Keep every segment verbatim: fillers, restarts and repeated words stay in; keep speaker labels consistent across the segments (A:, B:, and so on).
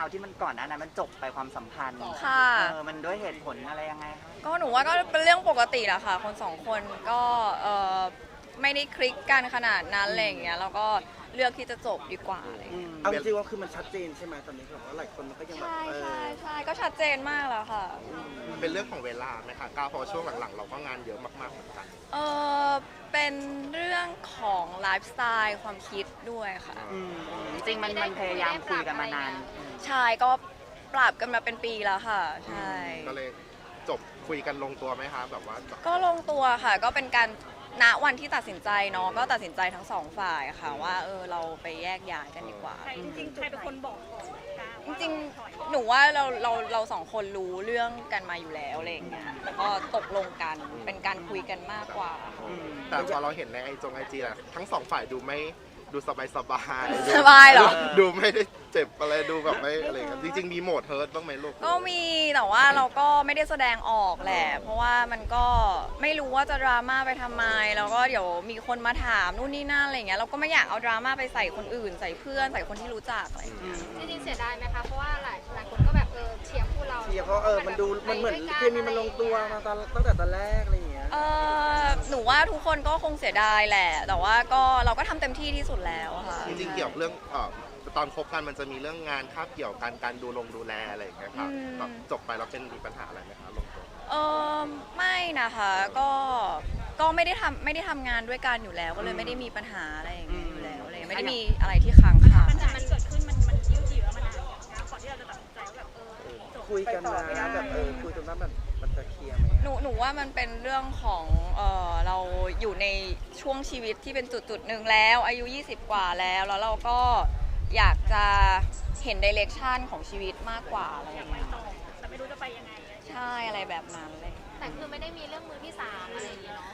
A: าวที่มันก่อนหน้านั้นมันจบไปความสัมพันธ์
B: ค่ะ
A: เออมันด้วยเหตุผลอะไรยังไงคะ
B: ก็หนูว่าก็เป็นเรื่องปกติแหละค่ะคนสองคนก็เออไม่ได้คลิกกันขนาดนั้นอะไรอย่างเงี้ยแล้วก็เลือกที่จะจบดีกว่าอะไรอย่างเงี้ย
C: เอาจริงๆว่าคือมันชัดเจนใช่ไหมตอนนี้แบบว่าหลายคนมันก็ยังแบบ
B: ใช่
C: เออ
B: ใช่ใช่ก็ชัดเจนมากแล้วค่ะ
D: เป็นเรื่องของเวลาไหมคะก้าวเพราะว่าช่วงหลังๆ เราก็งานเยอะมากๆเหมือนกัน
B: เออเป็นเรื่องของไลฟ์สไตล์ความคิดด้วยค่ะ
A: อืมจริงๆมันมันพยายามคุยกันมานาน
B: ใช่ก็ปรับกันมาเป็นปีแล้วค่ะ ใช่
D: ก็เลยจบคุยกันลงตัวไหมคะแบบว่า
B: ก็ลงตัวค่ะ ก็เป็นการณวันที่ตัดสินใจเนาะก็ตัดสินใจทั้งสองฝ่ายค่ะ ว่าเออเราไปแยกย้ายกันดีกว่า
E: ใครจริงๆใครเป็นคนบอกก่อนก้าว
B: จริงๆ หนูว่าเราเราเราสองคนรู้เรื่องกันมาอยู่แล้วอะไรอย่างเงี้ยแล้วก็ตกลงกันเป็นการคุยกันมากกว่า
D: แต่พอเราเห็นในไอจงไอจีอะทั้งสองฝ่ายดูไม่ดูสบายสบาย
B: สบายเหรอ
D: ดูไม่ได้เจ็บอะไรดูแบบไม่อะไรกันจริงๆมีโหมดเฮิร์ตบ้างไหมลูก
B: ก็มีแต่ว่าเราก็ไม่ได้แสดงออกแหละ เพราะว่ามันก็ไม่รู้ว่าจะดราม่าไปทำไมแล้วก็เดี๋ยวมีคนมาถามนู่นนี่นั่นอะไรอย่างเงี้ยเราก็ไม่อยากเอาดราม่าไปใส่คนอื่น ใส่เพื่อนใส่คนที่รู้จักอะไรอย่างเงี้ย
F: จริงๆเสียดายไหมคะ เพราะว่าหลายหลายคนก็แบบเออเชียร์คู่เรา
C: เชียร์เพราะเออมันดูมันเหมือนเคมีมันลงตัวมาตอนตั้งแต่ตอนแรกอะไรอย่างเงี้ย
B: เออหนูว่าทุกคนก็คงเสียดายแหละ แต่ว่าก็เราก็ทำเต็มที่ที่สุดแล้วอะค่ะ
D: จริงๆเกี่ยวกับเรื่องเอ่อตอนคบกันมันจะมีเรื่องงานคาบเกี่ยวกันการดูลงดูแลอะไรอย่างเงี้ยค่ะ
B: อืม
D: แบบจบไปแล้วเป็นมีปัญหาอะไรไหมคะลงตัว
B: เออไม่นะคะก็ก็ไม่ได้ทำไม่ได้ทำงานด้วยกันอยู่แล้ว ก็เลยไม่ได้มีปัญหาอะไรอย่างเงี้ยอยู่แล้วอะไรไม่ได้มีอะไรที่ค้างคา
E: ปัญหาที่เกิดขึ้นมันมันยืดเยื้อมานานก้าวก่อนที่เราจะตัดสินใจว่าแบบเออจบ
C: คุยกันนะแบบเออคุยกันว่าแบบมันจะเคลียร์ไหม
B: หนูหนูว่ามันเป็นเรื่องของเออเราอยู่ในช่วงชีวิตที่เป็นจุดจุดหนึ่งแล้วอายุยี่สิบกว่าแล้วแล้วเราก็อยากจะเห็นดิเรกชันของชีวิตมากกว่าอะไรอย่างเงี้ย
E: ต่อแต่ไม่รู้จะไปยังไง
B: ใช่อะไรแบบนั้นเลย
F: แต่คือไม่ได้มีเรื่องมือที่สามอะไรอย่างเงี้ยเนาะ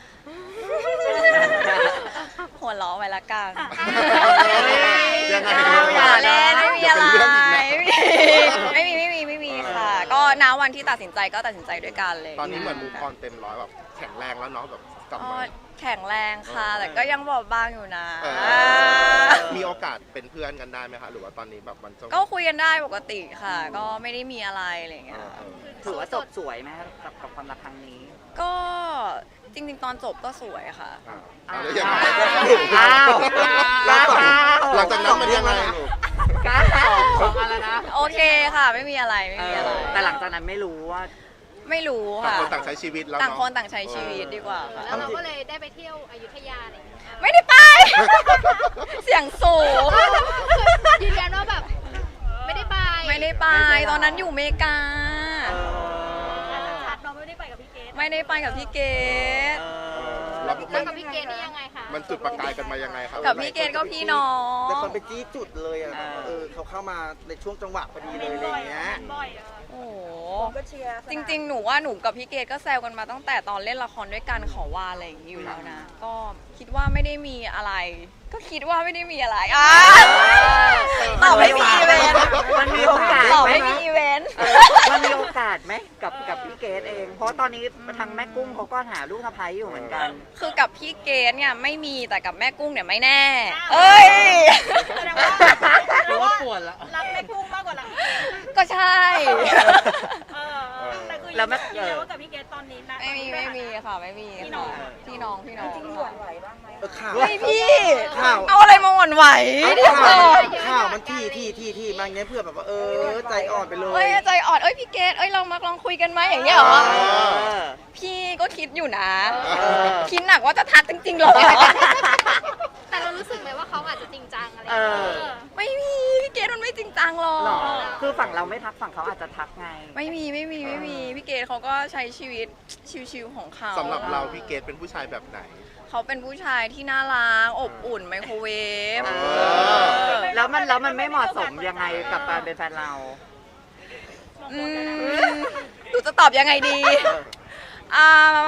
B: หัวล้อไว้ละกัน
D: ยังไง
B: อย่าเล่นไม่มีอะไร
D: เดี๋ยวเป็นเรื่องอีกนะ
B: ไม่มีไม่มีไม่มีไม่มีค่ะ ก็ณวันที่ตัดสินใจก็ตัดสินใจด้วยกันเลย
D: ตอนนี้เหมือนมูฟออนเต็มร้อยแบบแข็งแรงแล้วเนาะแบบกลับ
B: อ๋อ
D: มา
B: แข็งแรงค่ะ แต่ก็ยังบอบบางอยู่นะ
D: เออมีโอกาสเป็นเพื่อนกันได้ไหมคะหรือว่าตอนนี้แบบมันจะ
B: ก็คุยกันได้ปกติค่ะ ก็ไม่ได้มีอะไรอะไรอย่าง
D: เอ
B: เงี้ย
D: อเออ
A: ถือว่าจบสวยไหมคะกับกับความรักครั้งนี้
B: ก็จริงๆ ตอนจบก็สวยค่ะ
D: อ่าเอาแล้วยังไง
A: อ้าว
D: แล้วต่อ
A: อ้าว
D: หลังจากนั้นมันยังไงลูก
A: ก้าวสองอะไรนะ
B: โอเคค่ะ ไม่มีอะไรไม่มีอะไร
A: แต่หลังจากนั้นไม่รู้ว่า
B: ไม่รู้
D: ต่าง
B: ค่ะ
D: คนต่างใช้ชีวิตแล้ว
B: ต่าง
D: เนาะ
B: คนต่างใช้ชีวิตดีกว่าค่ะ
F: แล้วเราก็เลยได้ไปเที่ยวอยุธยาอะไรอย่างเงี้ย
B: ไม่ได้ไป เสียงสูง
F: ยืนยันว่าแบบไม่ได้ไป
B: ไม่ได้ไป ตอนนั้นอยู่อเมริกา
E: ชัดเราไม่ได้ไปกับพี่เกด
B: ไม่ได้ไปกับพี่เกด
D: แล้ว
F: แล้
D: มั
F: วน กับพี่เกดนี่ยังไงคะ
D: มันจุดประกายกันมายังไงครับ
B: กับพี่เกดก็พี่น้อง
C: แต่คนไปจี้จุดเลยอ่ะแบบเออเขาเข้ามาในช่วงจังหวะพอดีเลยอะไรอย่างเงี้ย
E: บ่อยอะ
B: โอ้โห
E: ก็เชียร์
B: จริง ๆ หนูว่าหนูกับพี่เกดก็แซวกันมาตั้งแต่ตอนเล่นละครด้วยกันขอว่าอะไรอย่างนี้อยู่แล้วนะ ก็คิดว่าไม่ได้มีอะไร ก็คิดว่าไม่ได้มีอะไรอ่ะตอบไม่มีอีเวนต์
A: มันมีโอกาส
B: ตอบ
A: ไหม
B: ไม่มีอีเวนต์
A: เออมันมีโอกาสไหมกับกับพี่เกดเอง เพราะตอนนี้ทางแม่กุ้งเขาก็หาลูกสะใภ้อยู่เหมือนกัน
B: คือกับพี่เกดเนี่ยไม่มีแต่กับแม่กุ้งเนี่ยไม่แน่ เอ้ย
E: แสดงว่าแสดงว่ารักแม่กุ้งมากกว่ารักพี่เกด
B: ก็ใช่
E: เออแต่คือ
A: แล้วแม่
E: ยืนยันว่ากับพี่เกดตอนนี้นะ
B: ไม่มีไม่มีค่ะไม่มี
E: พี่น้อง
B: ค่ะพี่น้องพี่น้อง
E: จริงหวั่นไหวบ้างไหม
C: เออข่าว
B: ไม่พี่
C: ข่าว
B: เอาอะไรมาหวั่นไหวเดี๋ยวก่
C: ข่า
B: อ
C: วน ข่าวมันที่ที่ที่ที่มาอย่างเงี้ยเพื่อแบบว่าเออใจอ่อนไปเลย
B: เอ้ยใจอ่อนเอ้ยพี่เกดเอ้ยเรามาลองคุยกันไหมอย่างเงี้ยเหรอ
A: เออ
B: พี่ก็คิดอยู่นะ
A: เออ
B: คิดหนักว่าจะทักจริงๆหรอ
F: แต่เรารู้สึกไหมว่าเขาอาจจะจริงจังอะไรอ
A: เอย่าง
F: เงี้ย
A: อ
B: ไม่มีพี่เกดมันไม่จริงจังหรอ
A: หรอก คือฝั่งเราไม่ทักฝั่งเขาอาจจะทักไง
B: ไม่มีไม่มีไม่มีพี่เกดเขาก็ใช้ชีวิตชิวๆของเขา
D: สำหรับเราพี่เกดเป็นผู้ชายแบบไหน
B: เขาเป็นผู้ชายที่น่ารักอบอุ่นไมโครเวฟ
A: เอ
D: อ
A: อ แล้วมันแล้วมันไม่เหมาะสมยังไงกับการเป็นแฟนเรา
B: อืมหนูจะตอบยังไงดีอ่า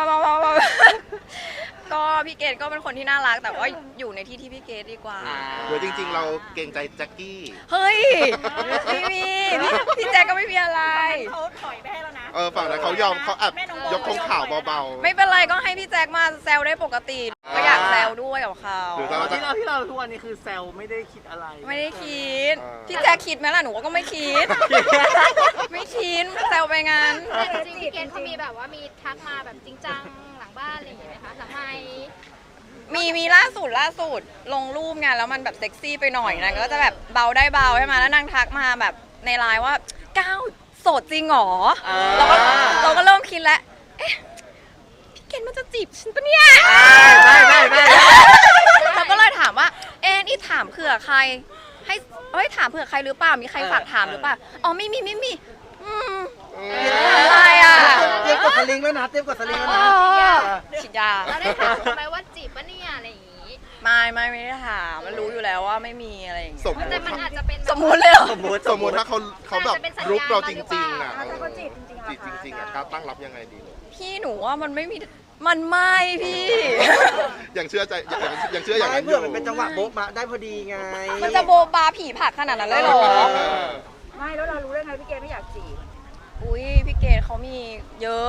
B: ก็พี่เกดก็เป็นคนที่น่ารัก แต่ว่าอยู่ในที่ที่พี่เกดดีกว่า
A: อ่า
D: หรือจริงๆ เราเกรงใจแจ็คกี้
B: เฮ้ยไม่มีพี่พี่แจ๊กก็ไม่มีอะไร
E: เขาถอยไปให้แล้วนะ
D: เออฝั่งนั้นเขายอมเขาแอบยกธงขาวเบาๆ
B: ไม่เป็นไรก็ให้พี่แจ๊กมาแซวได้ปกติก็อยากากแซวด้วยกับเขา
D: หรือ
G: ต
D: เรา
G: อน
D: จะ
G: ที่เราที่เราทุกวันนี้คือแซวไม่ได้คิดอะไร
B: ไม่ได้คิด
D: อ่า
B: พี่แจ๊คคิดไหมล่ะหนูก็ไม่คิด ไม่คิดแซวไปงาน
F: แต่จริงๆพี่เกณฑ์เขามีแบบว่ามีทักมาแบบจริงจังหลังบ้านอะไรอย่างเงี้ยไหมคะหลังไมค์
B: มีมีล่าสุดล่าสุดลงรูปไงแล้วมันแบบเซ็กซี่ไปหน่อยนางก็จะแบบเบาได้เบาใช่ไหมแล้วนางทักมาแบบในไลน์ว่าก้าวโสดจริงเหรอเราก็เราก็เริ่มคิดแล้วเอ๊ะพี่เกณฑ์มันจะจีบฉันปะเนี่ย
A: ไม่ไม่ไม่
B: เราก็เลยถามว่า เอ๊ะนี่ถามเผื่อใคร ให้เอ้ยถามเผื่อใครหรือเปล่า มีใครฝากถามหรือเปล่า อ๋อไม่มีไม่มี อืมอะไรอ่ะ
C: เตรียมกดสลิงแล้วนะเตรียมกดสลิงแล้ว
B: เอ
C: นะ
B: อฉีดยา
F: เราได้ถามเขาไหมว่าจีบปะเนี่ยอะไรอย่างงี้
B: ไม่ไม่ไม่ได้ถามมันรู้อยู่แล้วว่าไม่มีอะไรอย่างเงี้ย
D: สมม
F: แต่
D: ติ
F: มันอาจจะเป็นแบบ
B: สมมุติเลยเหรอ
A: สมมติ
D: สมมติถ้าเขาเขาแบบรุกเราจริงๆอ่ะ
E: ถ้าเขาจีบจริงๆ
D: จีบจริงๆอ่ะก้าวตั้งรับยังไงดีเลย
B: พี่หนูว่ามันไม่มี มันไม่พี่
D: ยังเชื่อใจยังยังเชื่ออย่าง
C: ไม่
D: นั้นอ
C: เพื่อยู่ มันเป็นจังหวะโบ๊ะบะได้พอดีไง
B: มันจะโบะบาผีผักขนาดนั้นเลยเหรอ
D: เออ
E: ไม่แล้วเรารู้ได้ไงพี่เกณฑ์ไม่อยากจีบ
B: อุ้ยพี่เกดเขามีเยอะ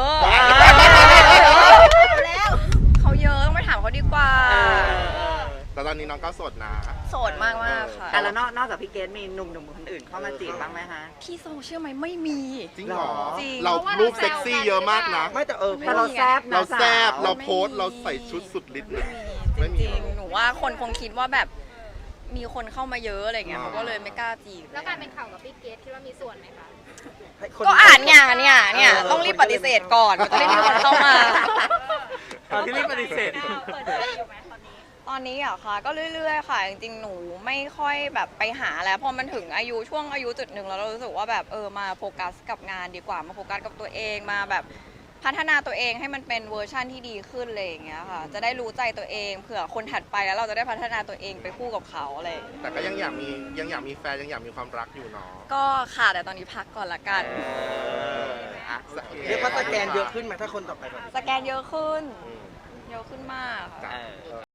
E: แล้ว
B: เขาเยอะต้องไปถามเขาดีกว่า
D: แต่ตอนนี้น้องก้าวโสดนะ
B: โสดมากมากๆค่ะ
A: อ่ะแล้วนอกนอกจากพี่เกดมีหนุ่มๆคนอื่นเข้ามาจีบบ้างไหมคะ
B: พี่โซเชื่อไหมไม่มี
D: จริงเหรอ
B: จริง
D: เรารูปเซ็กซี่เยอะมากนะ
C: ไม่แต่เออ
A: แต่เราแซบนะ
D: เราแซบ
A: สว
D: เราโพสต์เราใส่ชุดสุดฤทธิ์
B: ไม่
D: นะ
B: มี
D: ไม่
B: จ
D: มี
B: ริงๆหนูว่าคนคงคิดว่าแบบมีคนเข้ามาเยอะอะไรเงี้ย
D: อ่า
B: เขาก็เลยไม่กล้าจีบ
F: แล้วการเป็นข่าวกับพี่เกดคิดว่ามีส่วนไหมคะ
C: ให้คน
B: ก็อ่านงานเนี่ยเนี่ยต้องรีบปฏิเสธก่อนมันจะได้มีคนเข้ามา
G: ตอนที่รีบปฏิเสธ
E: เปิดใจอยู่ไหมตอนนี้
B: ตอนนี้เหรอะค่ะก็เรื่อยๆค่ะจริงๆหนูไม่ค่อยแบบไปหาแล้วพอมันถึงอายุช่วงอายุจุดหนึ่งแล้วเรารู้สึกว่าแบบเออมาโฟกัสกับงานดีกว่ามาโฟกัสกับตัวเองมาแบบพัฒนาตัวเองให้มันเป็นเวอร์ชั่นที่ดีขึ้นอะไรอย่างเงี้ยค่ะจะได้รู้ใจตัวเองเผื่อคนถัดไปแล้วเราจะได้พัฒนาตัวเองไปคู่กับเขาอะไรอย่างเงี้ย
D: แต่ก็ยังอยากมียังอยากมีแฟนยังอยากมีความรักอยู่เนาะ
B: ก็ค่ะแต่ตอนนี้พักก่อนละกัน
A: อ่ะ
C: เรียกว่าสแกนเยอะขึ้นไหมถ้าคนต่อไปแบบ
B: สแกนเยอะขึ้น
D: อืม
B: เยอะขึ้นมากค่ะ
A: เออ